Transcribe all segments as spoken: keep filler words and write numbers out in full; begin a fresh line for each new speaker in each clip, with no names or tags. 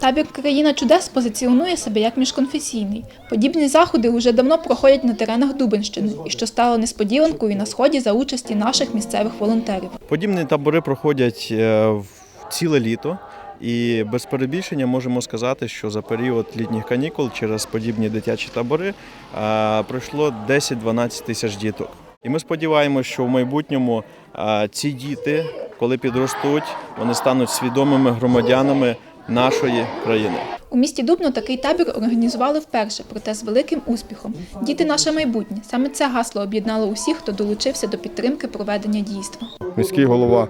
Табір «Країна чудес» позиціонує себе як міжконфесійний. Подібні заходи вже давно проходять на теренах Дубенщини, і що стало несподіванкою на Сході за участі наших місцевих волонтерів.
Подібні табори проходять ціле літо. І без перебільшення можемо сказати, що за період літніх канікул через подібні дитячі табори пройшло десять-дванадцять тисяч діток. І ми сподіваємося, що в майбутньому ці діти, коли підростуть, вони стануть свідомими громадянами нашої країни.
У місті Дубно такий табір організували вперше, проте з великим успіхом. «Діти – наше майбутнє» – саме це гасло об'єднало усіх, хто долучився до підтримки проведення дійства.
Міський голова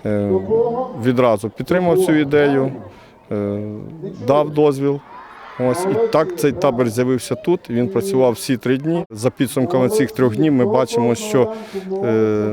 відразу підтримав цю ідею, дав дозвіл. Ось, і так цей табір з'явився тут, він працював всі три дні. За підсумками цих трьох днів ми бачимо, що е,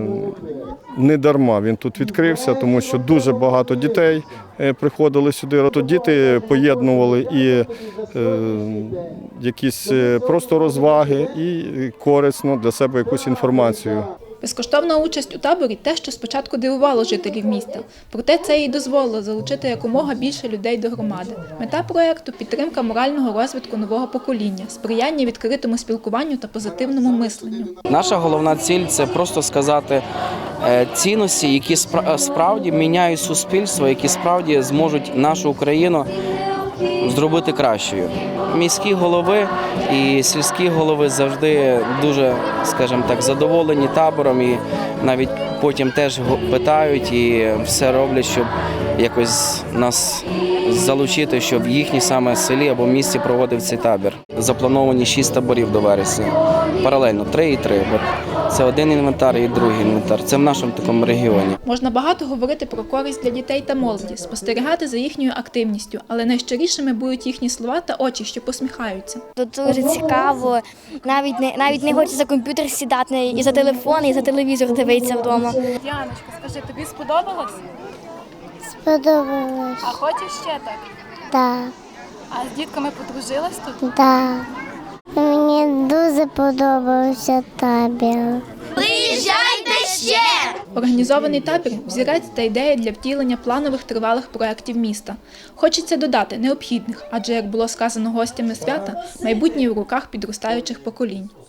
не дарма він тут відкрився, тому що дуже багато дітей приходили сюди. Тут діти поєднували і е, якісь просто розваги, і корисно для себе якусь інформацію.
Безкоштовна участь у таборі – те, що спочатку дивувало жителів міста. Проте це і дозволило залучити якомога більше людей до громади. Мета проєкту – підтримка морального розвитку нового покоління, сприяння відкритому спілкуванню та позитивному мисленню.
Наша головна ціль – це просто сказати цінності, які справді міняють суспільство, які справді зможуть нашу Україну зробити кращою. Міські голови і сільські голови завжди дуже, скажімо так, задоволені табором і навіть потім теж питають і все роблять, щоб якось нас залучити, щоб в їхній саме селі або місті проводив цей табір. Заплановані шість таборів до вересня. Паралельно три і три. Це один інвентар і другий інвентар. Це в нашому такому регіоні.
Можна багато говорити про користь для дітей та молоді, спостерігати за їхньою активністю, але найщирішими будуть їхні слова та очі, що посміхаються.
Тут дуже цікаво, навіть не, навіть не хочеться за комп'ютер сідати, і за телефон, і за телевізор дивитися вдома.
Діаночка, скажи, тобі сподобалось?
Сподобалось.
А хочеш ще так?
Так.
А з дітками подружилась тут?
Так. Мені дуже подобався табір.
Приїжджайте ще!
Організований табір – взірець та ідея для втілення планових тривалих проєктів міста. Хочеться додати – необхідних, адже, як було сказано гостями свята, майбутнє в руках підростаючих поколінь.